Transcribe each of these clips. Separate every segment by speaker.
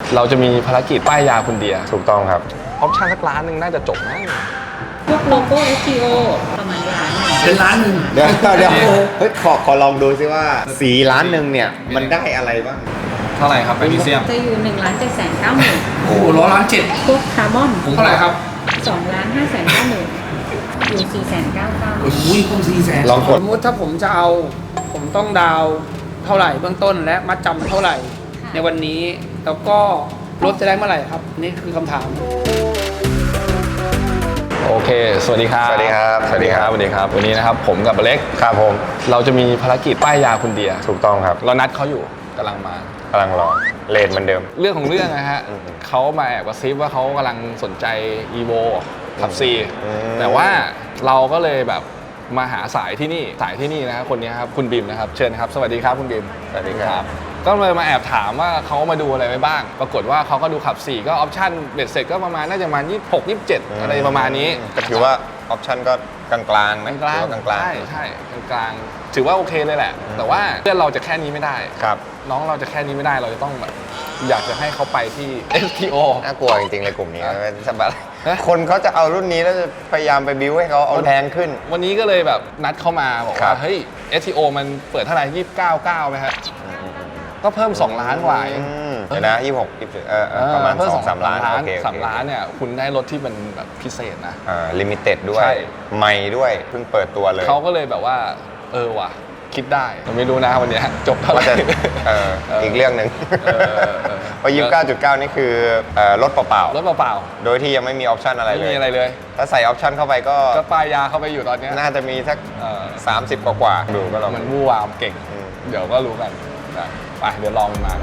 Speaker 1: เราจะมีภารกิจป้ายยาคุณเดีย
Speaker 2: ถูกต้องครับ
Speaker 1: ออปชั่นสักล้านหนึ่งน่าจะจบนะ
Speaker 3: พวกโลโก้ SEO ประมาณล้าน
Speaker 4: เป็นล้านหนึ่ง
Speaker 2: เดี๋ยวเฮ้ยขอลองดูซิว่าสีล้านหนึ่งเนี่ยมันได้อะไรบ้าง
Speaker 1: เท่าไหร่ครับแมกนีเซียม
Speaker 3: จะอยู่1,790,000
Speaker 4: โอ้โห1,700,000
Speaker 3: พวกคาร์บอน
Speaker 4: เท่าไหร่ครับ
Speaker 3: 2,590,000อยู่4,990,000
Speaker 4: โอ้ยคง400,000
Speaker 2: ลองกด
Speaker 4: สมมติถ้าผมจะเอาผมต้องดาวเท่าไหร่เบื้องต้นและมัดจำเท่าไหร่ในวันนี้แล้วก็รถจะได้เมื่อไหร่ครับนี่คือคำถาม
Speaker 1: โอเคสวัสดีครับ
Speaker 2: สวัสดีครับ
Speaker 1: สวัสดีครับวันนี้นะครับผมกับอเล็ก
Speaker 2: ครับผม
Speaker 1: เราจะมีภารกิจป้ายยาคุณเดีย
Speaker 2: ถูกต้องครับ
Speaker 1: เรานัดเขาอยู่กำลังมาก
Speaker 2: ำลังรอเลนเหมือนเดิม
Speaker 1: เรื่องของเรื่องนะฮะเขามาแอบกระซิบว่าเขากำลังสนใจ EVO ขับ C แต่ว่าเราก็เลยแบบมาหาสายที่นี่นะครับคนนี้ครับคุณบิมนะครับเชิญครับสวัสดีครับคุณบิม
Speaker 2: สวัสดีครับ
Speaker 1: ก็เลยมาแอบถามว่าเขามาดูอะไรไว้บ้างปรากฏว่าเขาก็ดูขับ 4 ก็ออปชั่นเบ็ดเสร็จก็ประมาณน่าจะประมาณ26 27อะไรประมาณนี้
Speaker 2: ก็ถือว่าออปชั่นก็กลางๆไหม
Speaker 1: กลางใช่กลางถือว่าโอเคเลยแหละแต่ว่าเพื่อนเราจะแค่นี้ไม่ได้
Speaker 2: ครับ
Speaker 1: น้องเราจะแค่นี้ไม่ได้เราจะต้องแบบอยากจะให้เขาไปที่ STO
Speaker 2: น่ากลัวจริงๆในกลุ่มนี้สบายคนเขาจะเอารุ่นนี้แล้วจะพยายามไปบิ้วให้เขาเอาแพงขึ้น
Speaker 1: วันนี้ก็เลยแบบนัดเข้ามาบอกว่าเฮ้ย STO มันเปิดเท่าไหร่29.9ไหมฮะก็เพิ่ม2 ล้านกว่าเอง
Speaker 2: เดี๋ยวนะ26 27ประมาณ2-3 ล้านโอเค
Speaker 1: 3 ล้านเนี่ยคุณได้รถที่มันแบบพิเศษนะ
Speaker 2: ลิมิเต็ดด้วยใหม่ด้วยเพิ่งเปิดตัวเลย
Speaker 1: เขาก็เลยแบบว่าว่ะคิดได้แต่ไม่รู้นะวันนี้จบเท่าไหร่
Speaker 2: อีกเรื่องหนึ่งเพราะ29.9 นี่คือรถเปล่าโดยที่ยังไม่มีออปชั่นอะไรเลย
Speaker 1: ไม่มีอะไรเลย
Speaker 2: ถ้าใส่ออปชั่นเข้าไปก็
Speaker 1: ป้ายยาเข้าไปอยู่ตอนนี้
Speaker 2: น่าจะมีสัก30กว่าดูก็ลอง
Speaker 1: มันวู่วามเก่งเดี๋ยวก็รู้กันไปเดี๋ยวลองมา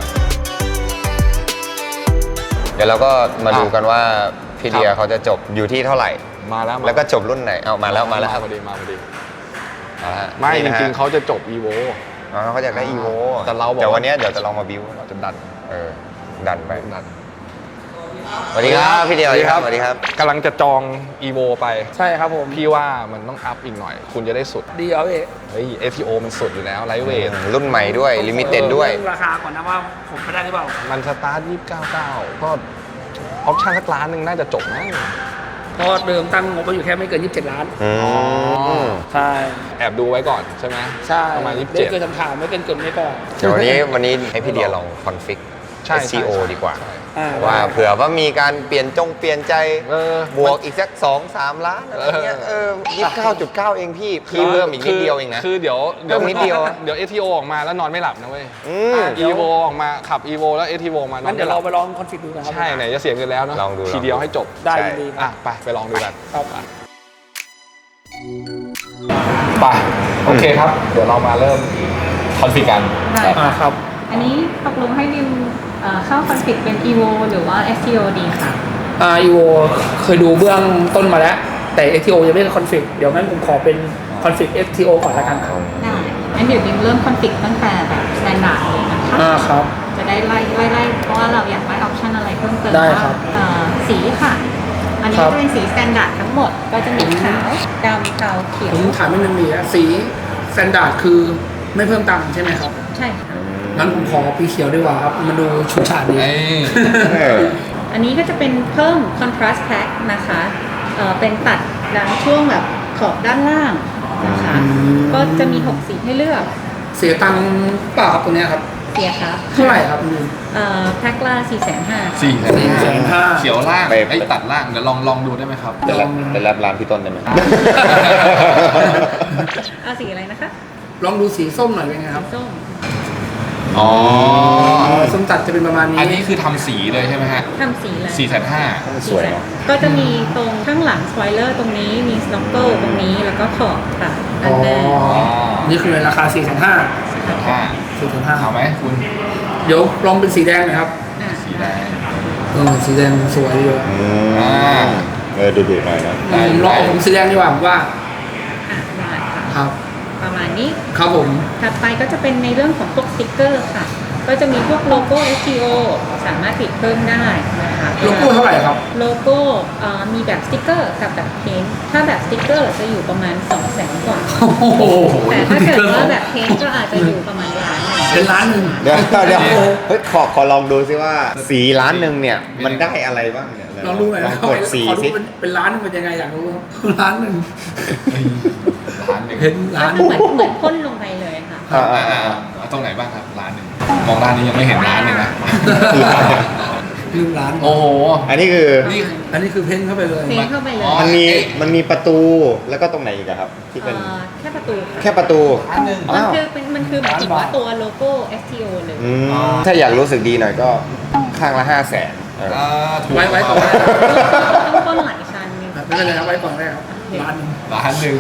Speaker 2: เดี๋ยวเราก็มาดูกันว่าพี่เดียเขาจะจบอยู่ที่เท่าไหร่
Speaker 1: มา
Speaker 2: แล้วก็จบรุ่นไหนเอามาแล้วครับ
Speaker 1: พอดีไม่จริงๆเขาจะจบ EVO
Speaker 2: เขาอยากได้ EVO
Speaker 1: แต่เราบอก
Speaker 2: แต่วันนี้เดี๋ยวจะลองมาบิว
Speaker 1: เราจะดัน
Speaker 2: ดันไปสวัสดีครับพี่เดียสวัสดีครับ
Speaker 1: กำลังจะจอง EVO ไป
Speaker 4: ใช่ครับผม
Speaker 1: พี่ว่ามันต้องอัพอีกหน่อยคุณจะได้สุด
Speaker 4: ดีเอา
Speaker 1: เฮ้ย STO มันสุดอยู่แล้วไลท์เวท
Speaker 2: รุ่นใหม่ด้วยลิมิเต็ดด้วย
Speaker 4: ราคาก่อนนะว่าผมไปได้หรือเปล่า
Speaker 1: มันสตาร์ท29.9ก็ออปชั่นสักล้านหนึ่งน่าจะจบนะ
Speaker 4: เพราะเดิมตั้งงบไว้อยู่แค่ไม่เกิน27 ล้านใช่
Speaker 1: แอบดูไว้ก่อนใช่ไหม
Speaker 4: ใช่
Speaker 1: ประมาณ27
Speaker 4: ไม่เกินถามไม่เกินไม่ก่อน
Speaker 2: เดี๋ยววันนี้ให้พี่เดียลองคอนฟิก SEO ดีกว่าว่าเผื่อว่ามีการเปลี่ยนใจบวกอีกสัก 2-3 ล้านอะไรเงี้ย29.9 เองพี่เพิ่มอีกนิดเดียวเองนะ
Speaker 1: คือเดี๋ยว
Speaker 2: นิดเดียว
Speaker 1: เดี๋ยว STO ออกมาแล้วนอนไม่หลับนะเว้ยEVO ออกมาขับ EVO แล้ว STO มานอน
Speaker 4: เดี๋ยวเราไปลองคอนฟิกดูนะครับ
Speaker 1: ใช่ไหนจะเสียเงินแล้วเนาะทีเดียวให้จบ
Speaker 4: ได้ดี
Speaker 1: ไปลองดูกันไปโอเคครับเดี๋ยวเรามาเริ่มคอนฟิกกัน
Speaker 4: ครับ
Speaker 3: อันนี้ตกลงให้ดิมเข้าคอนฟิกเป็น EVO หรือว่า SEO ดีค่ะ
Speaker 4: EVO เคยดูเบื้องต้นมาแล้วแต่ SEO ยังไม่ได้คอนฟิกเดี๋ยวงั้นผมขอเป็นคอนฟิก SEO ก่อนละกันครับ
Speaker 3: ได้งั้นเดี๋ยวดิมเริ่มคอนฟิกตั้งแต่แบบ standard เลยนะคะ
Speaker 4: ครับ
Speaker 3: จะได้ไล่เพราะว่าเราอยากได้ออปชั่นอะไรเพิ่มเติม
Speaker 4: ได้ครับ
Speaker 3: สีค่ะอันนี้จะเป็นสี standard ทั้งหมดก็จะมีขาวดำเทาเขียว
Speaker 4: ผมถามนิดนึงดีสี standard คือไม่เพิ่มตังค์ใช่ไหมครับ
Speaker 3: ใช่ค่ะ
Speaker 4: งั้นผมขอสีเขียวดีกว่าครับมันดูฉูดฉาดดี
Speaker 3: อันนี้ก็จะเป็นเพิ่ม contrast pack นะคะเป็นตัดด้านช่วงแบบขอบด้านล่างนะคะก็จะมี6สีให้เลือก
Speaker 4: เสียตังค์เปล่าครับตัวนี้ครับ
Speaker 3: เสียครับ
Speaker 4: เท่าไหร่ครับ
Speaker 3: แพ็คละ
Speaker 1: 450,000เขียวล่างไอ้ตัดล่างเดี๋ยวลองดูได้ไหมครับ
Speaker 2: เป็นรับร้านพี่ต้นได้ไหม
Speaker 3: สีอะไรนะคะ
Speaker 4: ลองดูสีส้มหน่อยเป็นไงครับ
Speaker 3: ส้ม
Speaker 4: ส้มตัดจะเป็นประมาณนี้
Speaker 1: อันนี้คือทำสีเลยใช่ไหมฮะ
Speaker 3: ทำสีเลย
Speaker 1: 450,000
Speaker 2: สวยเนาะ
Speaker 3: ก็จะมีตรงข้างหลังสปอยเลอร์ตรงนี้มีสโนว์เกิลตรงนี้แล้วก็ขอบตัดอันแรก
Speaker 4: นี่คือราคา4,500
Speaker 1: เอาไหมคุณ
Speaker 4: เดี๋ยวลองเป็นสีแดงหน่อยครับ
Speaker 1: สีแดง
Speaker 4: สีแดงสวยดี
Speaker 2: เลยดูหน่อยนะ
Speaker 4: ลองผมสีแดงดีกว่าว่าครับ
Speaker 3: ประมาณนี้
Speaker 4: ครับผม
Speaker 3: ถัดไปก็จะเป็นในเรื่องของพวกสติ๊กเกอร์ค่ะก็จะมีพวกโลโก้ SEO สามารถติดเพิ่มได้นะคะ
Speaker 4: โลโก้เท่าไหร่ครับ
Speaker 3: โลโก้มีแบบสติ๊กเกอร์กับแบบเพ้นท์ถ้าแบบสติ๊กเกอร์จะอยู่ประมาณ200,000 กว่าแต่ถ้าเกิดว่าแบบเพ้นท์ก็อาจจะอยู่ประมาณ1,000,000
Speaker 4: เป็นล้านหนึ่ง
Speaker 2: เดี๋ยวเฮ้ยขอลองดูซิว่าสีล้านหนึ่งเนี่ยมันได้อะไรบ้างเนี่ย
Speaker 4: ลองรู้หน่อย
Speaker 2: ล
Speaker 4: นะ
Speaker 2: องกดสี
Speaker 4: ขอดู
Speaker 2: สิ
Speaker 4: เป็นล้านหนึ่งเป็นยังไงอยากรู้ล้านหนึ่ง
Speaker 1: ร้านหนึ่ง
Speaker 4: เห็นล้าน
Speaker 3: ก็เหมือนพ่นลงไปเลยค่ะ
Speaker 1: เอาตรงไหนบ้างครับร้านหนึ่งมองร้านนี้ยังไม่เห็นร้านเลยนะ
Speaker 4: 1 ล้าน
Speaker 1: โอ้โห
Speaker 2: อันนี้คือ
Speaker 1: นี่
Speaker 4: อันนี้คือเพ้นเข้าไปเลย
Speaker 3: เพ้นเข้าไปเลย
Speaker 2: มันมีประตูแล้วก็ตรงไหนอีกอะครับ ที่เป็น
Speaker 3: แค่ประตูค่ะ
Speaker 2: แค่ประตู
Speaker 1: ร้านหนึ่ง
Speaker 3: มันคือหมายถึงว่าตัวโลโก้ STO เลย
Speaker 2: ถ้าอยากรู้สึกดีหน่อยก็ข้างละ500,000
Speaker 1: ถูก
Speaker 4: ไว้ก่อน
Speaker 3: ต้องพ่นหลายชั้นนึง
Speaker 4: ไม่เป็นไรครับไว้ก่อนได้ครับล้านหนึ่ง
Speaker 1: ร้านหนึ่ง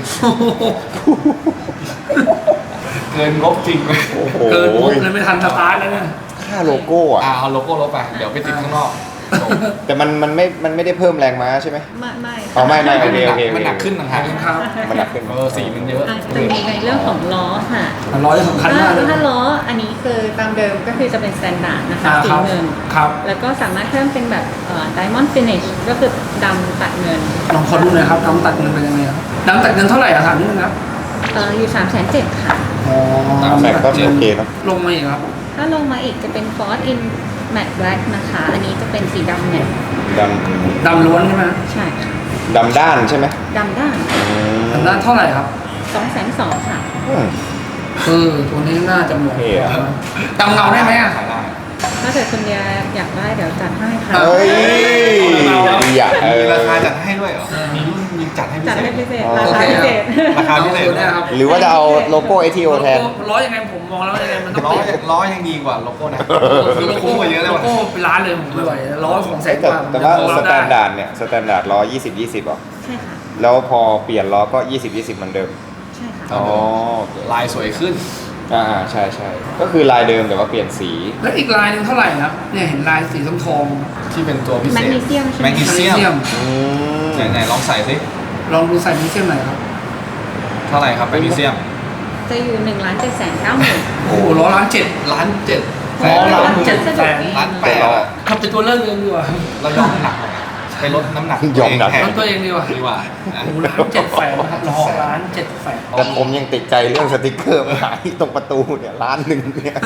Speaker 1: เกินงบจริงไหม
Speaker 2: โอ้โห
Speaker 4: เกินปุ๊บเลยไม่ทันสตาร์ทแล้วเนี่ย
Speaker 2: ค่าโลโก้อะ
Speaker 1: เอาโลโก้ลบไปเดี๋ยวไปติดข้างนอก
Speaker 2: แต่มันไม่ได้เพิ่มแรงม้าใช่ไหม
Speaker 3: ไม่
Speaker 2: อ๋อไม่โอเค
Speaker 1: มันหนักขึ้นต่างหาก
Speaker 4: ครับ
Speaker 2: มันหนักขึ้น
Speaker 1: สีมันเยอะ
Speaker 3: จะมีในเรื่องของล้อค่ะ
Speaker 4: ล้อจะสำคัญมากเลย
Speaker 3: ถ้าล้ออันนี้คือตามเดิมก็คือจะเป็น standard นะคะสี
Speaker 4: ครับ
Speaker 3: เงิน
Speaker 4: ครับ
Speaker 3: แล้วก็สามารถเพิ่มเป็นแบบ diamond finish ก็คือดำตัดเงิน
Speaker 4: ลองขอดูหน่อยครับดำตัดเงินเป็นยังไงครับดำตัดเงินเท่าไหร่อะถามนิดนึงครับ
Speaker 3: อยู่ 370,000 ค่ะ
Speaker 4: อ๋อ
Speaker 2: แต่ก็โอเคเนอะ
Speaker 4: ลงมาอีกครับ
Speaker 3: ถ้าลงมาอีกจะเป็น Ford in matte black นะคะ อันนี้จะเป็นสีดำเนี่ย
Speaker 2: ด
Speaker 4: ดำล้วนใช่ไหม
Speaker 3: ใช่ค่ะ
Speaker 2: ดำด้านใช่ไหม
Speaker 3: ดำด้าน
Speaker 4: ดำด้านเท่าไหร่ครับ
Speaker 3: 220,000 ค่ะ
Speaker 2: อืม
Speaker 4: ตัวนี้น่าจะเหมาะ
Speaker 2: เท่อะ
Speaker 4: ดำเงาได้ไหมอะ
Speaker 1: ขายได้
Speaker 3: ถ้าเกิดคุณเดียอยากได้เดี๋ยวจัดให้ค่ะ
Speaker 2: เฮ้ยอย่า
Speaker 1: มีราคาจัดให้ด้วยเหรอมีรุ่นมีจัดให้พิ
Speaker 3: จัด
Speaker 1: เศ
Speaker 3: ให้
Speaker 1: ษ
Speaker 3: พิเศษ
Speaker 2: อ๋อ
Speaker 3: ราคาพิเศษ
Speaker 1: ราคาพิเศษ
Speaker 4: ตัวนี้ครับ
Speaker 2: หรือว่าจะเอาโลโก้ ATO แทน
Speaker 4: ล้อยังไงผมมองแล้วยังไงมันต้อง
Speaker 1: ล้อ
Speaker 4: เปลี่ยน
Speaker 1: ล้อยังดีกว่าโลโก้นะ
Speaker 4: คือโล
Speaker 1: คุ้
Speaker 4: โก้
Speaker 1: มกว่าเยอะเลย
Speaker 4: โล
Speaker 1: ว่ะ
Speaker 4: โก้เป็นล้านเลยผมไม่ไหวล้อ200,000กว่า
Speaker 2: แต่ว่า
Speaker 4: ผม
Speaker 2: ส
Speaker 4: ยัง
Speaker 2: แต
Speaker 4: พอ
Speaker 2: น
Speaker 4: รับ
Speaker 2: ดาร์ดเนี่ยสแตนดาร์ดล้อ20/20หรอ
Speaker 3: ใช่ค่ะ
Speaker 2: แล้วพอเปลี่ยนล้อก็20/20เหมือนเดิม
Speaker 3: ใช่ค่ะ
Speaker 2: อ๋อ
Speaker 1: ลายสวยขึ้น
Speaker 2: ใช่ใช่ก็คือลายเดิมแต่ว่าเปลี่ยนสี
Speaker 4: แล้วอีกลายหนึงเท่าไหร่ครับเนี่ยเห็นลายสีทอง
Speaker 1: ที่เป็นตัวพิเศษ
Speaker 3: แมกนีเซียมใช่ไหม
Speaker 1: แมกนี
Speaker 4: ๆ
Speaker 1: เซียม
Speaker 2: อืม
Speaker 1: ไหนลองใส่สิ
Speaker 4: ลองดูใส่มิเซียมหน่อยครับ
Speaker 1: เท่าไหร่ครับแมกนีเซียม
Speaker 3: จะอยู่1,790,000
Speaker 4: โอ้โหล้อล้านเจ็ด
Speaker 1: ล้านเจ็ด
Speaker 4: อ๋อล้านเจ็ดแสน
Speaker 1: ล้านแปดอะ
Speaker 4: ขับเป็นตัวเลิกเองดีกว่า
Speaker 1: เรายอมน้ำหนักไปลดน้ำหนัก
Speaker 2: ยอมหนัก
Speaker 1: แท
Speaker 4: ลดตัวเองดีกว่า
Speaker 1: ดีกว่านะ
Speaker 4: โอ้โหล้านเจ็ดแสนนะครับล้อล้านเจ็ดแสน
Speaker 2: แต่ผมยังติดใจเรื่องสติกเกอร์มาที่ตรงประตูเนี่ย1,000,000เนี่ย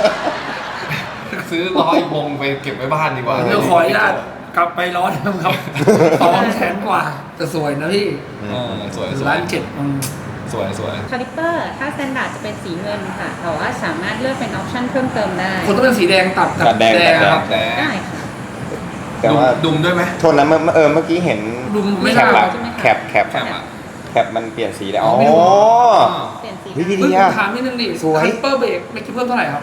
Speaker 1: ซื้อล้ออีกวงไปเก็บไว้บ้านดีกว่า
Speaker 4: เดี๋ยวขออนุญาตกลับไปล้อเดิมครับ200,000กว่าแต่สวยนะพี่
Speaker 1: สวยสวย
Speaker 4: ล้านเจ็ด
Speaker 1: สวยสวย
Speaker 3: คาลิปเปอร์ถ้าสแตนดาร์ดจะเป็นสีเงินค่ะ แต่ว่าสามารถเลือกเป็นออปชั่นเพิ่มเติมได้
Speaker 4: คนต้องเป็นสีแดงตัดกับ
Speaker 2: ตัดแดง
Speaker 4: ครับ
Speaker 1: แต่
Speaker 3: ได้ค่ะ
Speaker 2: แต่ว่า
Speaker 1: ดุมด้วยไหม
Speaker 2: โทษนะเมื่อกี้เห็น
Speaker 4: ดูไม่
Speaker 2: แค
Speaker 4: น่า
Speaker 2: ปอะ
Speaker 3: ใช่ไหมคะ
Speaker 2: แคป
Speaker 1: แคปอ่ะ
Speaker 2: แคปมันเปลี่ยนสีได้อ๋อ
Speaker 4: ไม่รู้
Speaker 3: เปลี่ยนสี
Speaker 2: เฮ้ยพี่
Speaker 3: ได้
Speaker 2: ดี
Speaker 4: ผมถามนิดนึงดิ
Speaker 2: สวย
Speaker 4: คันเปอร์เบรกเมื่อกี้เพิ่มเท่าไหร่ครับ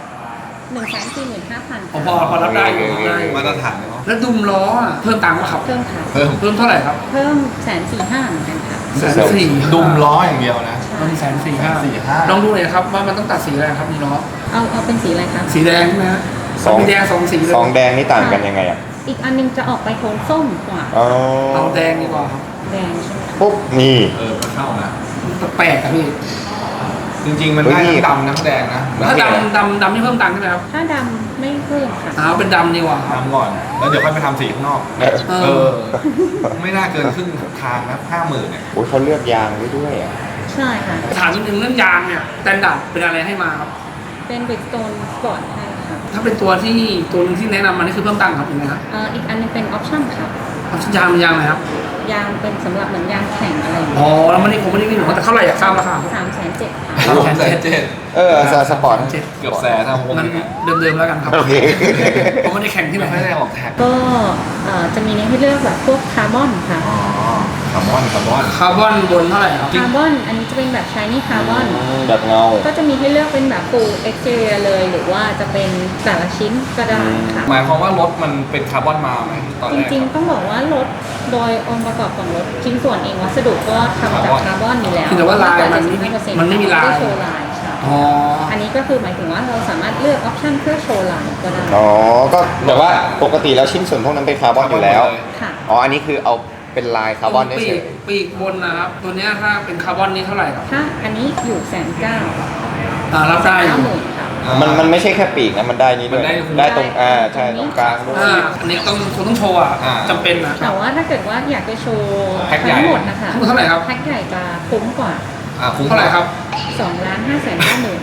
Speaker 3: 145,000
Speaker 4: พอรับได้อยู่
Speaker 2: โอเค
Speaker 4: ได้
Speaker 1: มาตรฐานเนาะ
Speaker 4: แล้วดุมล้ออะเพิ่มตังค์ไหมครับ
Speaker 3: เพิ่มค่ะ
Speaker 1: เพิ่ม
Speaker 4: เพิ่มเท่าไหร่ครับ
Speaker 3: เพิ่ม145,000เหมือนกันค่ะ
Speaker 4: 140,000
Speaker 1: ดุมล้ออย่างเดียวนะ
Speaker 4: มัน145,000
Speaker 1: 145,000
Speaker 4: ลองดูหน่อยครับว่ามันต้องตัดสีอะไรครับมีล้อ
Speaker 3: เอาเป็นสีอะไรคะ
Speaker 4: สีแดงใช่ไหมฮะ
Speaker 2: สอง
Speaker 4: มีแดง2สีเลย
Speaker 2: สองแดงนี่ต่างกันยังไงอ่ะ
Speaker 3: อีกอันนึงจะออกไปโทนส้มกว่า
Speaker 2: อ๋อ
Speaker 4: เอาแดงดีกว่าครับ
Speaker 3: แดงใช่ไหมคะ
Speaker 2: ปุ๊บนี่
Speaker 1: ก็เข้านะ
Speaker 4: แปลกอะพี่
Speaker 1: จริงๆมันได้
Speaker 2: เฮ้ย
Speaker 1: ทั้งดำทั้งแดงนะ
Speaker 4: ถ้าดำนี่เพิ่มตังค์ใช่ไหมครับ
Speaker 3: ถ้าดำไม่เพิ่มค่ะ
Speaker 4: เอาเป็นดำดีกว่าครับ
Speaker 1: ดำก่อน แล้วเดี๋ยวค่อยไปทำสีข้างนอก
Speaker 4: เออ
Speaker 1: ไม่น่าเกินครึ่งทางนะ50,000เนี่ย
Speaker 2: โอ้ยเขาเลือกยางไว้ด้วยอ่ะ
Speaker 3: ใช่ค่ะ
Speaker 4: ถามนิดนึงเรื่องยางเนี่ยสแตนดาร์ดเป็นอะไรให้มาครับ
Speaker 3: เป็น Bridgestone Sport ให้ค่ะ
Speaker 4: ถ้าเป็นตัวที่ตัวนึงที่แนะนำมานี่คือเพิ่มตังค์ครับยังไงครับ
Speaker 3: อีกอันนึงเป็นออปชั่นค่ะ
Speaker 4: เอาชิ้นยางอะไรครับ
Speaker 3: ยางเป็นสำหรับเหมือนยางแข่งอะไรอย่าง
Speaker 4: อ๋
Speaker 3: เงี้ย
Speaker 4: อแล้วมันนี่ผมไม่ได้วิ่งหรอกแต่เท่าไหร่อยากทราบราคาครับ
Speaker 3: 370,000ค่ะ
Speaker 1: 370,000
Speaker 2: สปอร์ต
Speaker 4: 7
Speaker 1: เกือบแสนนะผม
Speaker 4: มันเดิมๆแล้วกันครับ
Speaker 2: โอเค
Speaker 4: ผมไม่ได้แข่งที่ไหน
Speaker 1: ไม่ได้ออกแท็ก
Speaker 3: ก็จะมีให้เลือกแบบพวกคาร์บอนค่ะ
Speaker 1: อ๋อคาร์บอน
Speaker 4: คาร์บอนบนเท่าไหร่ครับ
Speaker 3: คาร์บอนอันนี้จะเป็นแบบชายนี่คาร์บอน
Speaker 2: แบบเงา
Speaker 3: ก็จะมีให้เลือกเป็นแบบ full exterior เลย หรือว่าจะเป็นแต่ละชิ้นก็ได้ค่ะ
Speaker 1: หมายความว่ารถมันเป็นคาร์บอนมาไหมตอน
Speaker 3: จ
Speaker 1: แรก
Speaker 3: ริงๆ ต้องบอกว่ารถโดยองค์ประกอบของรถชิ้นส่วนเองวัสดุก็ทำจากคาร์บอนอยู่แล้ว
Speaker 4: เพียงแต่ว่าลายมัน
Speaker 3: 75%
Speaker 4: มันไม่มีลาย
Speaker 3: เพื่อโชว์ลายใช่
Speaker 4: อ๋อ
Speaker 3: อันนี้ก็คือหมายถึงว่าเราสามารถเลือกออปชันเพื่อโชว์ลายก็ได้
Speaker 2: อ๋อ ก็แต่ว่าปกติแล้วชิ้นส่วนพวกนั้นเป็นคาร์บอนอยู่แล้ว
Speaker 3: ค่ะ
Speaker 2: อ๋อ อันนี้คือเอาเป็นลายคาร์บอนได้
Speaker 4: ปี
Speaker 2: เฉ
Speaker 4: ก
Speaker 2: ย
Speaker 4: ปีกบนนะครับ ตัวเนี้ยถ้าเป็นคาร์บอนนี่เท่าไหร่ครับ
Speaker 3: ถ้าอันนี้อยู่190,000
Speaker 4: รับได้อยู่
Speaker 3: 90,000ค่ะ
Speaker 2: มันไม่ใช่แค่ปีกนะ มันได้นี้ด้วย
Speaker 1: มันได้
Speaker 2: ได้ตรงใช่ ตรงกลางด้วย
Speaker 4: อันนี้ต้องโชว์อ่ะจำเป็นนะค
Speaker 3: แต่
Speaker 4: รับ
Speaker 3: ว่าถ้าเกิดว่าอยากจะโชว์
Speaker 1: แพ็คใหญ่
Speaker 3: ทั้งหมดนะคะ
Speaker 4: ทั้งหมดเท่าไหร่ครับ
Speaker 3: แพ็คใหญ่จะคุ้มกว่า
Speaker 1: คุ้ม
Speaker 4: เท่าไหร่ครับ
Speaker 3: 2,590,000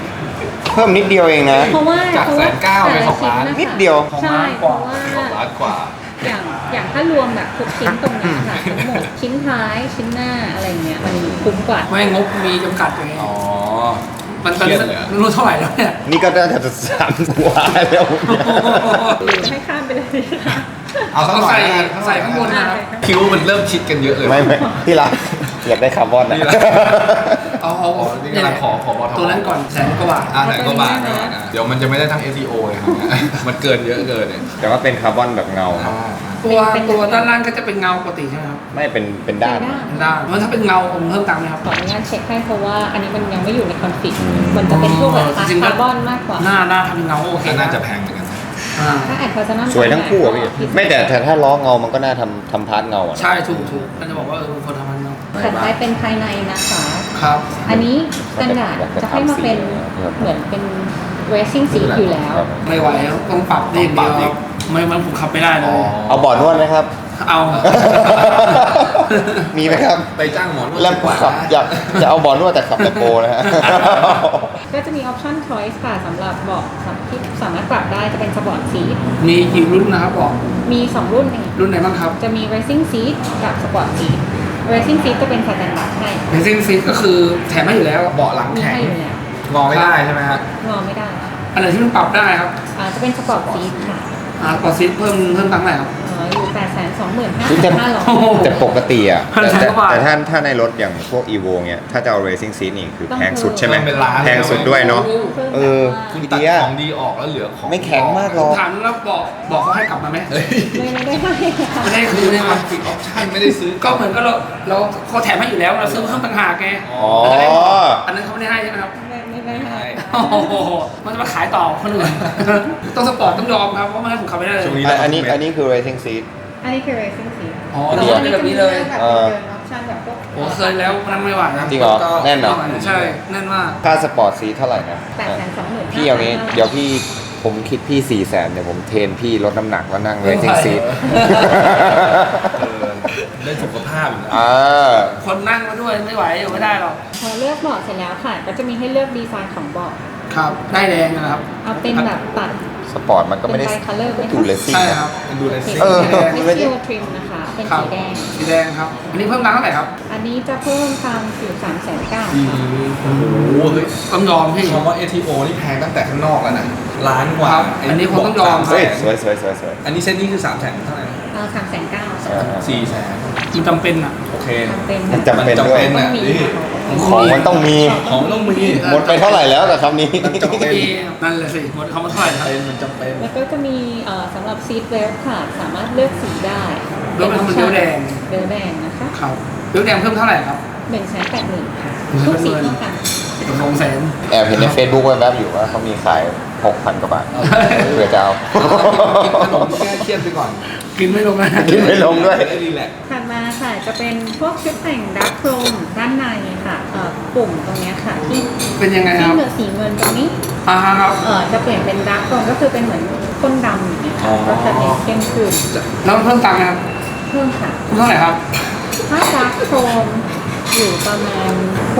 Speaker 2: เพิ่มนิดเดียวเองนะ
Speaker 3: เพราะว่า
Speaker 1: จาก190,000เป็น2 ล้าน
Speaker 2: นิดเดียว
Speaker 3: ใช่เพราะว่า
Speaker 1: 2 ล้านกว่า
Speaker 3: อย่างถ้ารวมแบบทุกชิ้นตรงเนี้ยค่ะทั้งหมดชิ้นท้ายชิ้นหน้าอะไรเงี้ยมันคุ้มกว่า
Speaker 4: ไม่งบมีจำกัดไง
Speaker 1: อ๋อ
Speaker 4: มัน
Speaker 1: เครียดเลยอะ
Speaker 4: รู้เท่าไหร่แล้วเนี่ย
Speaker 2: นี่ก็น่าจะ3 กว่าแล้ว
Speaker 3: หรือจะให้ข้ามไปเลยดีคะ
Speaker 1: เอาสักหน่อยนะ
Speaker 4: ใส่ข้างบนนะครับ
Speaker 1: คิ้วมันเริ่มชิดกันเยอะเลย
Speaker 2: ไม่ที่รักอยากได้คาร์บอนนะ
Speaker 1: นี่แหละ
Speaker 4: เอา
Speaker 1: นี่กำลังขอบท
Speaker 4: ตัวนั้นก่อน100,000 กว่าบาท
Speaker 1: แสนกว่าบาทนะเดี๋ยวมันจะไม่ได้ทั้ง SEO เลยครับ มันเกินเยอะเกินเนี่ย
Speaker 2: แต่ว่าเป็นคาร์บอนแบบเงาครับ
Speaker 4: ตัวด้านล่างก็จะเป็นเงาปกติใช่ไหมครับ
Speaker 2: ไม่เป็นด้าน
Speaker 4: เป็นด้านแล้วถ้าเป็นเงาผมเพิ่มตังค์ไหมครับ
Speaker 3: ขออนุญาตเช็คให้เพราะว่าอันนี้มันยังไม่อยู่ในคอนฟิกมันจะเป็นพวกแบบ
Speaker 4: จริงๆ
Speaker 3: คาร์บอนมากกว่า
Speaker 4: หน้าทำเป็นเงาโอเค
Speaker 1: ก็น่าจะแพงเหมือนกันนะ
Speaker 4: อ่า
Speaker 3: ถ้าแอดเพอร์ซันอล
Speaker 2: สวยทั้งคู่อะพี่ไม่แต่ถ้าล้อเงามันก็น่าทำพาร์ทเงาอะนะ
Speaker 4: ใช่ถูกก็จะบอกว่าคนทำมันเงา
Speaker 3: ถัดไปเป็นภายในนะคะ
Speaker 4: ครับ
Speaker 3: อันนี้สแตนดาร์ดจะให้มาเป็นเหมือนเป็น racing seat อยู่แล้ว
Speaker 4: ไม่ไหวแล้วต้องปรับนี่อย่างเดียวครับไม่มันผมขับไม่ได้เลย
Speaker 2: เอาบอร์ดนวดไหมครับ
Speaker 4: เอา
Speaker 2: มีไหมครับ
Speaker 1: ไปจ้างหมอนวด
Speaker 2: แล้ว
Speaker 1: ดีกว่า
Speaker 2: ขับอยากจะเอาบอร์ดนวดแต่ขับแบบโปรนะฮะ
Speaker 3: ก็จะมีออปชั่น choice ค่ะสำหรับเบาะที่สามารถปรับได้จะเป็นสปอร์ตซีท
Speaker 4: มีกี่รุ่นนะครับบอก
Speaker 3: มี 2 รุ่นเอง
Speaker 4: รุ่นไหนบ้างครับ
Speaker 3: จะมี racing seat กับสปอร์ตซีท racing seat จะเป็นสแตนดาร์ดให้
Speaker 4: เรซิ่งซีก็คือแถมให้อยู่แล้ว
Speaker 1: เบาะหลัง
Speaker 3: มี
Speaker 1: แข็ง
Speaker 3: ให้อยู่แล้ว
Speaker 1: งอไม่ได้ใช่ไหมฮะ
Speaker 3: งอไม่ได้ค่ะ
Speaker 4: อันไหนที่มันปรับได้ครับ
Speaker 3: จะเป็นสปอร์ตซีทค่ะ
Speaker 4: ปรับซีเพิ่มตังค์ไหนครับ
Speaker 3: อยู่
Speaker 2: แต่
Speaker 3: 825,500
Speaker 2: แต่ปกติอ่ะ
Speaker 4: พันแสนกว่าบาท
Speaker 2: แต่ถ้าในรถอย่างพวก Evo เนี้ยถ้าจะเอา Racing Seat นี่คือ
Speaker 3: ต้อง
Speaker 2: แพงสุดใช่ไหม
Speaker 1: เป็นล้าน
Speaker 2: แพงสุดด้วยเนาะ เออ
Speaker 1: คุณ
Speaker 2: พี่
Speaker 1: ตัด
Speaker 2: เดีย
Speaker 1: ของดีออกแล้วเหลือของ
Speaker 2: ไม่แข็งมากหร
Speaker 4: ผม
Speaker 2: อก
Speaker 4: ถามแล้วบอกเขาให้กลับมาไหม
Speaker 1: เฮ้ย
Speaker 3: ไม่ได้ให้ค่ะ
Speaker 4: ไม่ได้
Speaker 1: คื
Speaker 4: คือ อ
Speaker 1: ใน
Speaker 4: เนี่ย
Speaker 1: คอนฟิกออปชั่นไม่ได้ซื้อ
Speaker 4: ก็เหมือนก็เราเขาแถมให้อยู่แล้วเราซื้อเพิ่มต่างหากไง
Speaker 2: อ๋อ
Speaker 4: อันนั้นเขาไม่ได้ให้ใช่ไหมครับ
Speaker 3: ไม่ได้ให้ค่ะ
Speaker 4: โอ้โหมันจะมาขายต่อคนอื่น ต้องสปอร์ตต้องยอมครับเพราะไม่งั้นผมขับไม่ได้เลย
Speaker 1: ช่วงนี้
Speaker 2: อันนี้คือ Racing Seat
Speaker 3: อันนี้คือ racing seat
Speaker 4: อ๋อนี่เป็นแบบนี้เลย
Speaker 3: แบบเดินออปชั่นแบบพวก
Speaker 4: โอ้เคยแล้วนั่งไม่ไหวนะ
Speaker 2: จริงเหรอ แน่นเหรอ
Speaker 4: ใช่แน่นมาก
Speaker 2: ค่าสปอร์ตซีเท่าไหร่นะ
Speaker 3: 825,000
Speaker 2: พี่เอางี้ เดี๋ยวพี่ผมคิดพี่ 400,000เดี๋ยวผมเทรนพี่ลดน้ำหนักแล้วนั่ง Racing Seat
Speaker 1: ได้สุขภาพอยู่นะ
Speaker 2: อ่า
Speaker 4: คนนั่งมาด้วยไม่ไหวอยู่ไม่ได้หรอก
Speaker 3: พอเลือกเบาะเสร็จแล้วค่ะ ก็จะมีให้เลือกดีไซน์ของเบาะ
Speaker 4: ครับได้แดงนะครับ
Speaker 3: เอาเป็นแบบตัด
Speaker 2: สปอร์ตมันก็ไม่ได้
Speaker 3: เป็น color ไหมคะ
Speaker 2: ดูเลสซิ่ง
Speaker 4: ใช่
Speaker 2: นะครับ
Speaker 1: เป็นดูเลสซิ่ง
Speaker 2: เออ
Speaker 3: ไม่ใช่ทริมนะคะ เป็น
Speaker 4: ครับ
Speaker 3: สีแดง
Speaker 4: สีแดงครับ อันนี้เพิ่มตังค์เท่าไหร่ครับ
Speaker 3: อันนี้จะเพิ่มตามอยู่390,000ค่ะ
Speaker 1: โอ้โหเฮ้ย
Speaker 4: ต้องยอมพี่
Speaker 1: คำว่า ATO นี่แพงตั้งแต่ข้างนอกแล้วนะล้านกว่า
Speaker 4: ครับอันนี้คงต้องยอม
Speaker 2: เฮ้ย
Speaker 1: 300,000
Speaker 2: สวย
Speaker 1: อันนี้เส้นนี้คือ300,000เท่าไหร่นะ
Speaker 3: 390,000
Speaker 1: 400,000
Speaker 4: มันจำเป็นอ่ะ
Speaker 1: โอเค
Speaker 3: จำเป็น
Speaker 2: มันจำเป็นด้วย
Speaker 1: น่ะ
Speaker 3: ต้องมี
Speaker 1: นี่
Speaker 2: ของมันต้องมี
Speaker 1: ของต้องมี
Speaker 2: หมดไปเท่าไหร่แล้วกับคำนี้
Speaker 1: มันจำเป็น
Speaker 4: นั่นเลยสิหมดคำว่าเท่าไหร่นะ
Speaker 1: มันจำเป็น
Speaker 3: แล้วก็จะมีสำหรับซีทเบลค่ะ สามารถเลือกสีได้
Speaker 4: เลือกเป็นเบลแดง
Speaker 3: เบลแดงนะคะ
Speaker 4: ครับเลือกแดงเพิ่มเท่าไหร่ครับ
Speaker 3: 180,000ค่ะทุกสีเท่ากัน
Speaker 4: ตกลงแสน
Speaker 2: แอบเห็นใน Facebook แวบๆอยู่ว่าเขามีขาย 6,000 กว่าบาทเผื่อจะเอา
Speaker 1: กินขนมแก้เครียดไปก่อน
Speaker 4: กินไม่ลงนะ
Speaker 2: กินไม่ลงด้วย
Speaker 1: ได้รีแลกซ์
Speaker 3: ถัดมาค่ะจะเป็นพวกชุดแต่งดักโครมด้านในค่ะปุ่มตรงเนี้ยค่ะที่
Speaker 4: เป็นยังไงค
Speaker 3: ที่
Speaker 4: รับ
Speaker 3: เหลือสีเงินตรงนี้
Speaker 4: ครับ
Speaker 3: จะเปลี่ยนเป็นดักโครมก็คือเป็นเหมือนข้นดำอย่างเงี้ยค่ะก็จะเน้นเข้มขึ้น
Speaker 4: แล้วมันเพิ่มตังค์ไหมครับ
Speaker 3: เพิ่มค่ะ
Speaker 4: เท่าไหร่ครับ
Speaker 3: ถ้าดักโครมอยู่ประมาณ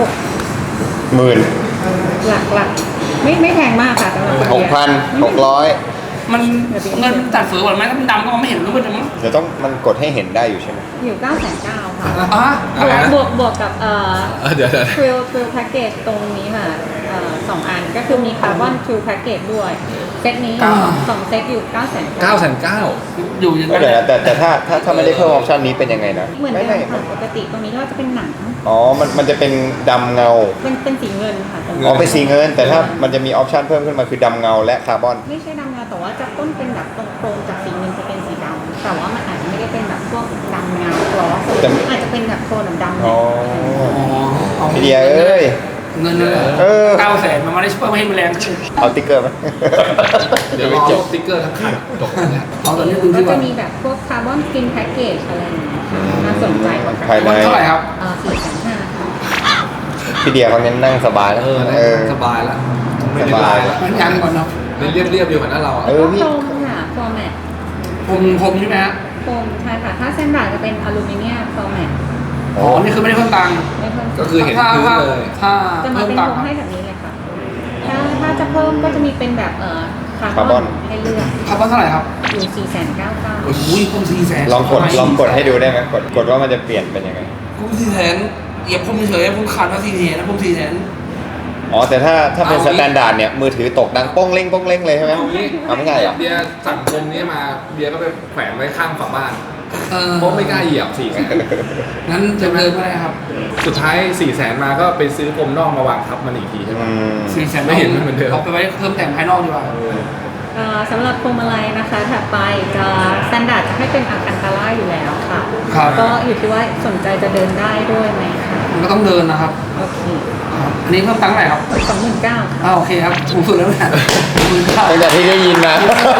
Speaker 2: 10,000
Speaker 3: หลักไม่แพงมากค่ะสำหรับคนเดียว
Speaker 2: 6,600
Speaker 4: มันเงินตัดเฟือหมดไหมถ้ามันดำก็มองไม่เห็นรูปเลยมั้ง
Speaker 2: เดี๋ยวต้องมันกดให้เห็นได้อยู่ใช่ไหม
Speaker 3: อยู่990,000ค่ะ
Speaker 4: อ่ะ
Speaker 3: บวกกับ
Speaker 1: เดี๋ยว
Speaker 3: ทริลแพ็กเกจตรงนี้ค่ะ2 อันก็คือมีคาร์บอนทริลแพ็กเกจด้วยเซตนี้2เซตอยู่990,000
Speaker 4: อยู่อย่าง
Speaker 2: ก็
Speaker 4: นั้น
Speaker 2: เดี๋ยวนะแต่ถ้าไม่ได้เพิ่มออปชันนี้เป็นยังไงนะ
Speaker 3: เหมือนเดิ
Speaker 2: ไม่
Speaker 3: มค่ะปกติตรงนี้ก็จะเป็นหนัง
Speaker 2: อ๋อมันจะเป็นดำเงา
Speaker 3: เป็นสีเงินค่ะตรง
Speaker 2: อ๋อ
Speaker 3: นี้
Speaker 2: เป็นสีเงิน แต่ถ้ามันจะมีออปชันเพิ่มขึ้นมาคือดำเงาและคาร์บอน
Speaker 3: ไม่ใช่ดำเงาแต่ว่าจะต้นเป็นแบบตรงโครงจากสีเงินจะเป็นสีดำแต่ว่ามันอาจจะไม่ได้เป็นแบบพวกดำเงากลอสอาจจะเป็นแบบโทนดำ
Speaker 2: อ๋อ
Speaker 4: อ๋อ
Speaker 2: พี่เดียเอ้ย
Speaker 4: เงินเลย 900,000มันไม่ได้ช่วยไม่ให้มันแรงขึ้น
Speaker 2: เอาติ๊กเกอร์ไหม
Speaker 1: เดี๋ยวรอลบสติ๊กเกอร์ทั้งคันจบแล้ว
Speaker 4: เอาตอนนี้ดู
Speaker 3: ก็
Speaker 4: ดีก
Speaker 3: จะ
Speaker 4: ว่า
Speaker 3: มีแบบพวกคาร์บอนสกินแพ็กเกจอะไรอย่างเงี้ยค่ะน่าสนใจเหมือนกัน
Speaker 2: ภายใน
Speaker 4: เท่าไหร่ครับ
Speaker 3: 4,500ค่ะ
Speaker 2: พี่เดียเขาเน้นนั่งสบายแล้ว
Speaker 1: สบายแล้วไม่ได้ลายแล้ว
Speaker 4: มันยันก่อนเนาะ
Speaker 1: เป็นเรียบๆอยู่เหมือนหน้าเรา
Speaker 2: เอ
Speaker 3: แล้ว
Speaker 2: อ
Speaker 3: ก็
Speaker 2: พี่
Speaker 3: โครมค่ะฟอร์แมต
Speaker 4: ผมใช่ไหมฮะ
Speaker 3: โครมใช่ค่ะถ้าเส้นบาทจะเป็นอลูมิเนียมฟอร์แมต
Speaker 4: อ๋อ นี่คือไม่ได้เพิ่มตังค์
Speaker 3: ไม่เพิ่ม
Speaker 1: ก็คือเห็นพื้นเลย
Speaker 4: ถ้า
Speaker 3: จะมา
Speaker 4: เพิ่ม
Speaker 3: เป็น
Speaker 4: ตัง
Speaker 3: ว
Speaker 4: ค์
Speaker 3: งให้แบบนี้เลยค่ะถ้าจะเพิ่มก็จะมีเป็นแบบคา
Speaker 2: คาร์
Speaker 3: ร์บบ อ
Speaker 2: อน
Speaker 3: นให้เลือก
Speaker 4: ครับว่าเท่าไหร่ครับ
Speaker 3: อยู่499,000
Speaker 4: โอ้โหผม400,000
Speaker 2: ลองกดให้ดูได้ไหมกดว่ามันจะเปลี่ยนเป็นยังไง
Speaker 4: ผม400,000เหยียบผมเฉยๆผมขาดมา400,000นะผม400,000
Speaker 2: อ๋อแต่ถ้าเป็น
Speaker 1: เอา
Speaker 2: ส
Speaker 1: งี้
Speaker 2: แตนดาร์ดเนี่ยมือถือตกดังโป้งเล้งโป้งเล้งเลยใช่ไหมเอาไม่ใช่เหรอ
Speaker 1: เบียร์สั่งพรมนี้มาเบียร์ก็ไปแขวนไว้ข้างฝาบ้าน
Speaker 4: เออ
Speaker 1: เพราะไม่กล้าเหยียบ4 แสน
Speaker 4: งั้นจะเดินไม่ได้ครับ
Speaker 1: สุดท้าย4 แสนมาก็ไปซื้อพรมนอกมาวางทับมันอีกทีใช่ไหม
Speaker 4: 400,000
Speaker 1: ไม่เห็นมันเหมือนเดิม
Speaker 4: เอาไปไว้เพิ่มแต่งภายนอกดีกว่า
Speaker 3: สำหรับพวงมาลัยนะคะถัดไปจะสแตนดาร์ดจะให้เป็นอัลคันตาร่าอยู่แล้วค่ะ
Speaker 4: ครับ
Speaker 3: ก็อยู่ที่ว่าสนใจจะเดินได้ด้วยไหมคะ
Speaker 4: มันก็ต้องเดินนะครับ
Speaker 3: โอเค
Speaker 4: อันนี้เพิ่มตังค์เท่าไหร่ครับ
Speaker 3: 29,000ค่ะ
Speaker 4: โอเคครับถูกสุดแล้วเนี่ยถูก
Speaker 2: ตั้งแต่ที่ได้ยินมา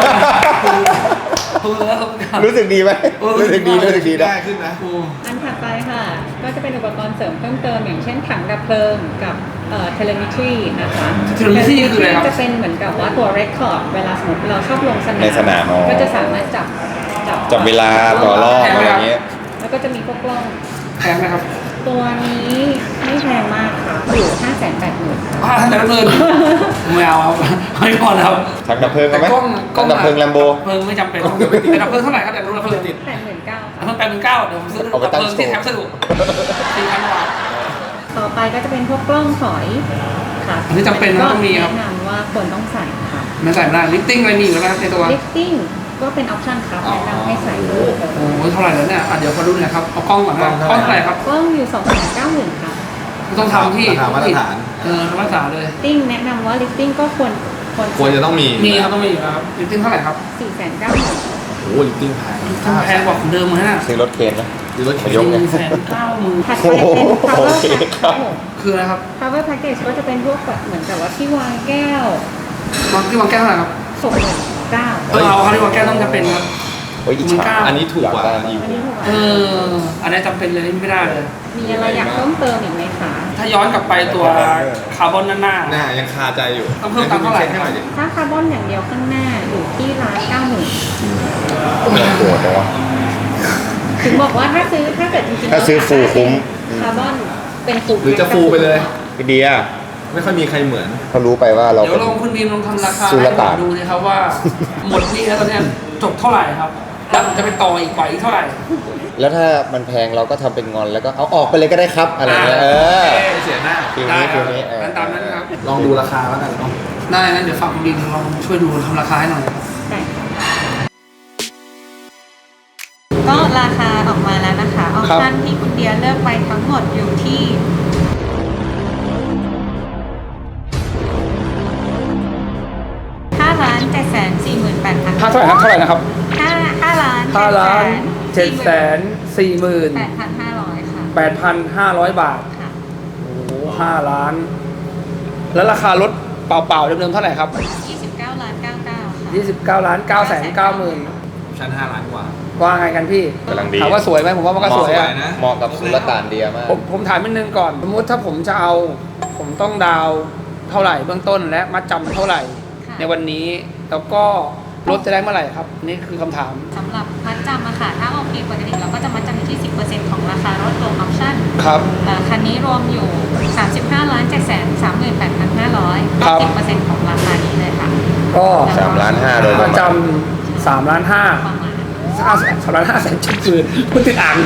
Speaker 4: แล้วครับ
Speaker 2: รู้สึกดีไหมรู้สึกดีนะ
Speaker 1: ได้ขึ้นนะ
Speaker 3: อันถัดไปค่ะ ก็จะเป็นอุปกรณ์เสริมเพิ่มเติมอย่างเช่นถังดับเพลิงกับเทเลมิทรีนะคะ
Speaker 4: Telemetry คืออะไรครับ
Speaker 3: จะเป็นเหมือนกับว่าตัวเรคคอร์ดเวลาสมมติเราชอบลงสนาม
Speaker 2: ในสนามอ๋อ
Speaker 3: ก็จะสามารถจับ
Speaker 2: จับเวลาต่อรอบอะไรอย่างเงี้ย
Speaker 3: แล้วก็จะมีพวกกล้อง
Speaker 4: แพงไหมครับ
Speaker 3: ตัวนี้ไม่แพงมากค่ะอยู่ 580,000
Speaker 4: แต่ละเพลินไม่เอาครับไม่พอแล้ว
Speaker 2: ถังดับเพลิงเอาไหม
Speaker 4: แต่กล้อง
Speaker 2: ถังดับเพลิงแลมโบ
Speaker 4: เพลิงไม่จำเป็นแต่ดับเพลิงเท่าไหร่ครับแต่รู้ดับเพลิงติด
Speaker 3: 89,000
Speaker 4: เพิ่ม8,900เดี๋ยวผมซื้อ
Speaker 2: เอาไป
Speaker 4: ดับ
Speaker 2: ตั้ง
Speaker 4: เพลิงที่แถมสนุก4,000 บาท
Speaker 3: ต่อไปก็จะเป็นพวกกล้องถอยค่ะ
Speaker 4: อันนี้จำเป็นนะต้องมีครับ
Speaker 3: แนะนำว่าควรต้องใส่ค่ะ
Speaker 4: ไม่ใส่ไม่ได้ลิฟติ้งอะไรมีอยู่แล้วนะครับในตัว
Speaker 3: ลิฟติ้งก็เป็นออปชั่นครับแนะนำให้ใส่ด้วย
Speaker 4: โอ้โหเท่าไหร่แล้วเนี่ยเดี๋ยวขอดูหน่อยครับเอากล้องก่อนนะกล้องเท่าไหร่ครับ
Speaker 3: กล้องอยู่ 290,000ค่ะ
Speaker 4: ต้องทำที่
Speaker 1: ราคามาตรฐาน
Speaker 4: มาตรฐานเลย
Speaker 3: ลิฟติ้งแนะนำว่าลิฟติ้งก็ควร
Speaker 1: ควรจะต้องมี
Speaker 4: มีครับต้องมีอยู่ครับลิฟติ้งเท่าไหร่ครับ
Speaker 3: 490,000
Speaker 1: โอ้โหลิฟติ้งแพง
Speaker 4: แพงกว่าของเดิมเลยนะ
Speaker 2: ซื้อรถเคนไหม
Speaker 1: หรือรถเข็น
Speaker 2: ยกเนี่ย
Speaker 4: 190,000
Speaker 3: ถัดไปเป็น
Speaker 2: โอ
Speaker 3: power
Speaker 2: เค
Speaker 3: pack ครับผม
Speaker 4: คืออะไรครับ
Speaker 3: power package ก็จะเป็นพวกแบบเหมือนกับว่าที่วางแก้ว
Speaker 4: ที่วางแก้วเท่าไหร่ครับ
Speaker 3: 69,000
Speaker 4: เอาครับที่วางแก้วต้องจะเป็นครับ
Speaker 2: โอ้ยอิจฉา
Speaker 1: อันนี้ถูกกว่าอี
Speaker 3: อันนี้ถูกกว่า
Speaker 4: อันนี้จำเป็นเลยไม่ได้เลย
Speaker 3: มีอะไรอยากเพิ่มเติมอีกไหมคะ
Speaker 4: ถ้าย้อนกลับไปตัวคาร์บอนหน้า
Speaker 1: หน้ายังคาใจอยู่
Speaker 4: ต้องเพิ่มตังค์เท่าไหร่
Speaker 1: ให้น่อยดิ
Speaker 3: ถ้าคาร์บอนอย่างเดียวข้างหน้าอยู่ที่190,000
Speaker 2: โกรธเลยวะ
Speaker 3: ถึงบอกว่าถ้าเกิดจริงๆ
Speaker 2: ถ้าซื้อฟูลคุ้ม
Speaker 3: คาร์บอนเป็นฟูล
Speaker 1: หรือจะฟูลไปเลย
Speaker 2: พี่เดีย
Speaker 1: ไม่ค่อยมีใครเหมือน
Speaker 2: เขารู้ไปว่าเรา
Speaker 4: เดี๋ยว
Speaker 2: เป็น
Speaker 4: ลองคุณบีมลองทำราคา
Speaker 2: สุล
Speaker 4: ให้ผ
Speaker 2: ต่าน
Speaker 4: มดูนะครับว่า หมดนี่แล้วตอนเนี้ยจบเท่าไหร่ครับแล้วผมจะไปต่ออีกกว่าอีกเท่าไหร่
Speaker 2: แล้วถ้ามันแพงเราก็ทำเป็นงอนแล้วก็เอาออกไปเลยก็ได้ครับอะไรเงี้ย
Speaker 4: โอ
Speaker 2: เออ
Speaker 4: เค
Speaker 1: เสียหน้า
Speaker 2: ฟิล
Speaker 4: ได้
Speaker 2: นี้
Speaker 4: ค
Speaker 2: ฟิ
Speaker 4: รับ
Speaker 2: ลนี้
Speaker 4: งั้นตามนั้นครับ
Speaker 1: ลองดูราคาแล้วกันเนาะ
Speaker 4: ได้งั้นเดี๋ยวฝากคุณบีมลองช่วยดูทำราคาให้หน่อยครับ
Speaker 3: ได้ก็ราคาออกมาแล้วนะคะ ออปชั่นที่คุณเดียเลือกไปทั้งหมดอยู่ที่5,748,000
Speaker 4: ค่าเท่าไหร่ครับเท่าไหร่นะครับ
Speaker 3: 5,740,000
Speaker 4: 5,740,000
Speaker 3: ค่ะ
Speaker 4: 8,500 บาท
Speaker 3: ค่ะ
Speaker 4: โอ้โห5 ล้าน แล้วราคารถเปล่าๆเดิมๆเท่าไหร่ครับ
Speaker 3: 29,990,000 ค่ะ
Speaker 4: 29,990,000
Speaker 1: ชั้น5 ล้านกว่า
Speaker 4: ว่าไงกันพี่
Speaker 2: กำลังดี
Speaker 4: ถามว่าสวยไหมผมว่ามันก็สวยอะ
Speaker 1: นะ
Speaker 2: เหมาะกับสุลต่านเดียมาก
Speaker 4: ผมถามนิดนึงก่อน สมมติถ้าผมจะเอา ผมต้องดาวน์เท่าไหร่เบื้องต้นและมัดจำเท่าไหร่
Speaker 3: ค่ะ
Speaker 4: ในวันนี้แล้วก็รถจะได้เมื่อไหร่ครับ นี่คือคำถาม
Speaker 3: สำหรับมัดจำอะค่ะ ถ้าโอเคปกติเราก็จะมัดจำอยู่ที่ 10% ของราคารถรวมออปชั่น
Speaker 4: ครับ
Speaker 3: คันนี้รวมอยู่ 35,738,500
Speaker 4: ครับ
Speaker 3: 10% ของราคานี้เลยค่ะ
Speaker 4: ก็
Speaker 2: 3 ล้าน 5โดยป
Speaker 4: มั
Speaker 2: ระ
Speaker 4: ด
Speaker 2: มาณ
Speaker 4: จำ3 ล้าน 5
Speaker 3: ประมาณ
Speaker 4: 3,500,000จุดหมื่นคุณติดอ่าง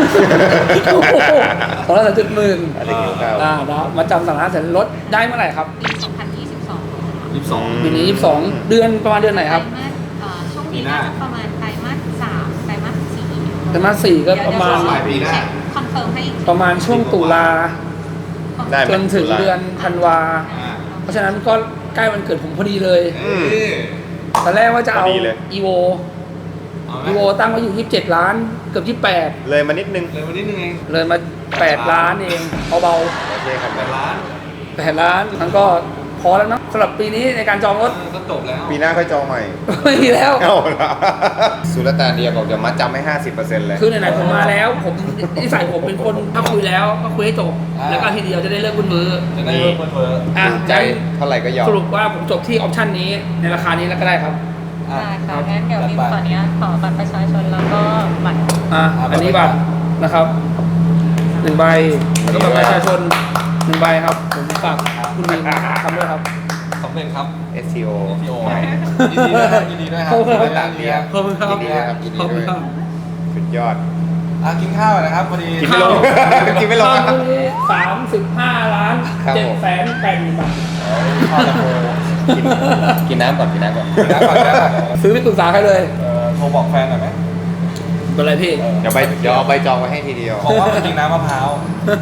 Speaker 4: 2,300,000
Speaker 2: อันนี้หิวข้าว
Speaker 4: นะมาจำ3,500,000ลดได้เมื่อไหร่ครับ
Speaker 3: ปี 2022
Speaker 1: 22
Speaker 4: ปีนี้22เดือนประมาณเดือนไหนครับ
Speaker 3: ไตรมาสช่วงนี้น่าจะประมาณไตรมาส 3 ไตรมาส 4
Speaker 4: ไตรมาส4ก็ประมาณ
Speaker 1: ปลายปีหน้า
Speaker 3: คอนเฟิร์มให้อีกที
Speaker 4: ประมาณช่วงตุลา
Speaker 2: ได้ไหม
Speaker 4: จนถึงเดือนธันวา
Speaker 1: อ่า
Speaker 4: เพราะฉะนั้นก็ใกล้วันเกิดผมพอดีเลย
Speaker 2: อืม
Speaker 4: ตอนแรกว่าจะเอา
Speaker 2: พอดีเลย
Speaker 4: evo
Speaker 1: เอาไหม
Speaker 4: evo ตั้งไว้อยู่27 ล้านเกือบ28
Speaker 2: เลยมานิดนึง
Speaker 1: เลยวันนี้นึงเอง
Speaker 4: เลยมา8 ล้านเองเบา
Speaker 2: โอเคครับ
Speaker 1: 8 ล้าน
Speaker 4: ๆ8 ล้านมันก็พอแล้วเนอะสำหรับปีนี้ในการจองรถ
Speaker 1: ก็จบแล้ว
Speaker 2: ปีหน้าค่อยจองใหม่
Speaker 4: ไม่มีแล้ว
Speaker 2: เอาละสุลต่านเดียบอกจะมัดจำให้ 50%เลย
Speaker 4: คือไหนๆผมมาแล้ว ผมนิสัยผมเป็นคนถ้าคุยแล้วก็คุยให้จบ แล้วก็ทีเดียวจะได้เลิกคุณมือ
Speaker 1: จะได้เพิ่มเพิ่ม
Speaker 4: อ่ะ
Speaker 2: ใจเท่าไหร่ก็ยอม
Speaker 4: สรุปว่าผมจบที่ออปชันนี้ในราคานี้แล้วก็ได้ครับ
Speaker 3: ได้ค่ะงั้นเดี๋ยวบิมขออนุญาตขอบัตรประชาชนแล้วก็บัตร
Speaker 4: อันนี้บัตรนะครับ1 ใบแล้วก็บัตรประชาชน1 ใบครับ ผมฝากคุณมีทำด้วยครับ
Speaker 1: ขอบสำเร็จครับ
Speaker 2: SEO
Speaker 1: พี่โอยินดีด้วยครับยินดีด้วยครับ
Speaker 4: ขอบคุณครับ
Speaker 1: ต่างเดีย
Speaker 4: ขอบคุณครับ
Speaker 2: ยินดีด้วยครับยินดี
Speaker 4: ขอบคุ
Speaker 2: ด้ว
Speaker 4: ณ
Speaker 2: ย
Speaker 4: ครับ
Speaker 2: สุดยอด
Speaker 1: กินข้าวหน่อยนะครับพอดี
Speaker 2: กินไม่ลง กินไม่ลง
Speaker 4: ข้าวมื้อนี้35 ล้าน
Speaker 2: ครับผม
Speaker 4: 780,000 บาท
Speaker 1: ข้าวตะโพ
Speaker 2: กินน้ำก่อนกินน้ำก่อน
Speaker 1: กินน้ำก่อนนะ
Speaker 4: ซื้อไม่ปรึกษาใครเลย
Speaker 1: โทรบอกแฟนหน่อยไหม
Speaker 4: เป็นไรพี่
Speaker 2: เดี๋ยวเอาใบจองไว้ให้ทีเดียว
Speaker 1: บอกว่ามากินน้ำมะพร้าว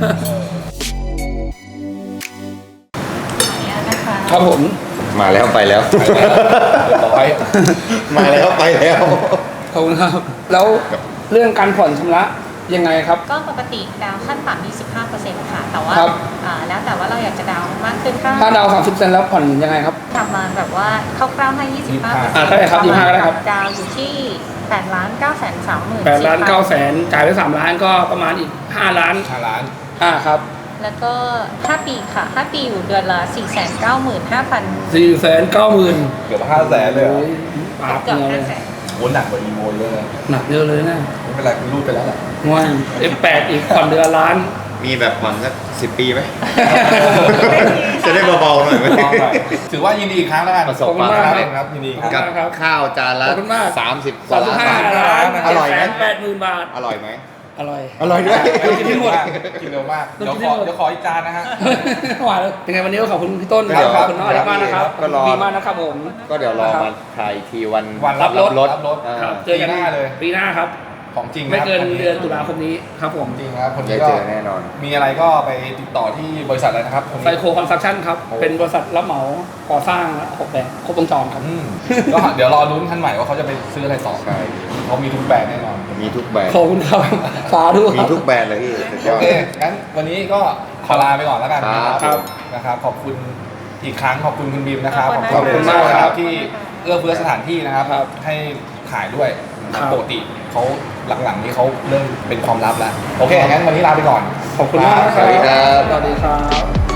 Speaker 3: เนี่ยนะคะ
Speaker 4: ครับผม
Speaker 2: มาแล้วไปแล้ว
Speaker 1: ร้อย
Speaker 2: มาแล้วไปแล้ว
Speaker 4: ขอบคุณครับ แล้วเรื่องการผ่อนชำระยังไงครับ
Speaker 3: ก็ปกติดาวขั้นต่ำที่15%ค่ะ แต่ว่า
Speaker 4: ครับ
Speaker 3: แล้วแต่ว่าเราอยากจะดาวมากขึ้นก็
Speaker 4: ถ้าดาว30%แล้วผ่อนยังไงครับ
Speaker 3: ทำมาแบบว่าคร่าวๆให้ 25%
Speaker 4: ได้ครับ25ก็ได้ครับ
Speaker 3: ดาวอยู่ที่8,930,000
Speaker 4: 8 ล้าน9แสนจ่ายไป3 ล้านก็ประมาณอีก5 ล้าน
Speaker 1: 5 ล้าน
Speaker 4: ครับ
Speaker 3: แล้วก็5 ปีค่ะ 5 ปีอยู่เดือนละ 495,000
Speaker 4: 490,000
Speaker 1: เกือบ500,000เลยเหรอ
Speaker 4: ปาบ
Speaker 3: เกือบ
Speaker 4: เงินเลย
Speaker 3: 500,000
Speaker 1: โอ้หนักกว่าอีโมเยอะเลย
Speaker 4: หนักเยอะเลยนะ
Speaker 1: ไม่เป็นไรคุณรูดไปแล้วแหละ
Speaker 4: ง่ายF8 อีกผ่อนเดือนล้าน
Speaker 2: มีแบบผ่อนสัก10 ปีไหม จะได้เบาๆหน่อยไหม
Speaker 1: ลองหน่อยถือว่ายินดีอีกครั้งแล้วกัน
Speaker 2: ประสบความ
Speaker 1: สำ
Speaker 2: สำ
Speaker 1: เร็
Speaker 2: เร็
Speaker 1: จ
Speaker 2: จ
Speaker 1: ครับยินดีค
Speaker 4: ครั
Speaker 1: รับ
Speaker 4: บ
Speaker 2: กับข้าวจานละ
Speaker 4: ขอบคุณมาก
Speaker 2: 30 กว่าล้าน
Speaker 4: 35 ล้าน
Speaker 2: อร่อยไหม
Speaker 4: 780,000 บาท
Speaker 2: อร่อยไหม
Speaker 4: อร่อย
Speaker 2: อร่อยด้วย
Speaker 1: กินเร็วมากกินเร็วมากเดี๋ยวขออีกจานนะฮะ
Speaker 4: หวานเลยยังไงวันนี้ก็ขอบคุณพี่ต้น
Speaker 2: ครับ
Speaker 4: ขอบคุณน้องอเล็กมากนะครับ
Speaker 2: ก็รอ
Speaker 4: ดีมากนะครับผม
Speaker 2: ก็เดี๋ยวรอมาถ่ายทีวัน
Speaker 1: วันรับรถ
Speaker 2: รับรถ
Speaker 4: ครับ
Speaker 1: เจอกันหน้าเลย
Speaker 4: ปีหน้าครับ
Speaker 1: ของจริงนะ
Speaker 4: ไม่เกิน
Speaker 1: ครับ
Speaker 4: เดือนตุลาคมนี้ครับผม
Speaker 1: จริงครับคน
Speaker 2: ได้
Speaker 1: นี้ก็
Speaker 2: เจอแน่นอน
Speaker 1: มีอะไรก็ไปติดต่อที่บริษัทอะไรนะครับคน
Speaker 4: ไซ
Speaker 1: นี้
Speaker 4: โคคอนสตรัคชั่นครับ
Speaker 1: โอ้
Speaker 4: เป็นบริษัทรับเหมาก่อสร้างและออกแบบครบวงจรครับ
Speaker 1: อืมก็เดี๋ยวรอลุ้นคันใหม่ว่าเขาจะไปซื้ออะไรต่อ
Speaker 2: ใช่
Speaker 1: เขามีทุกแบรนด์แน่นอน
Speaker 2: มีทุกแบรนด์
Speaker 4: ขอบคุณครับ สาธุ
Speaker 2: มี
Speaker 4: ครับ
Speaker 2: ทุกแบรนด์เลยพี่สุดย
Speaker 1: โอ
Speaker 2: อด
Speaker 1: เคงั้นวันนี้ก็ขอลาไปก่อนแล้วกันนะครับ
Speaker 2: ครับ
Speaker 1: นะครับ ขอบคุณอีกครั้งขอบคุณคุณบีมนะครับ
Speaker 3: ขอบคุณ
Speaker 1: มาก
Speaker 4: มาก
Speaker 1: นะค
Speaker 4: ครั
Speaker 1: รับบ ที่เอื้อเฟื้อสถานที่นะครับ
Speaker 4: ครับ
Speaker 1: ให้ขายด้วย
Speaker 4: ครับ
Speaker 1: ปกติเขาหลังๆนี้เขาเริ่มเป็นความลับแล้วโอเคงั้นวันนี้ลาไปก่อน
Speaker 4: ขอบคุณมากนะค
Speaker 2: ส
Speaker 4: รับ
Speaker 2: วัสดีครับ
Speaker 4: สวัสดีครับ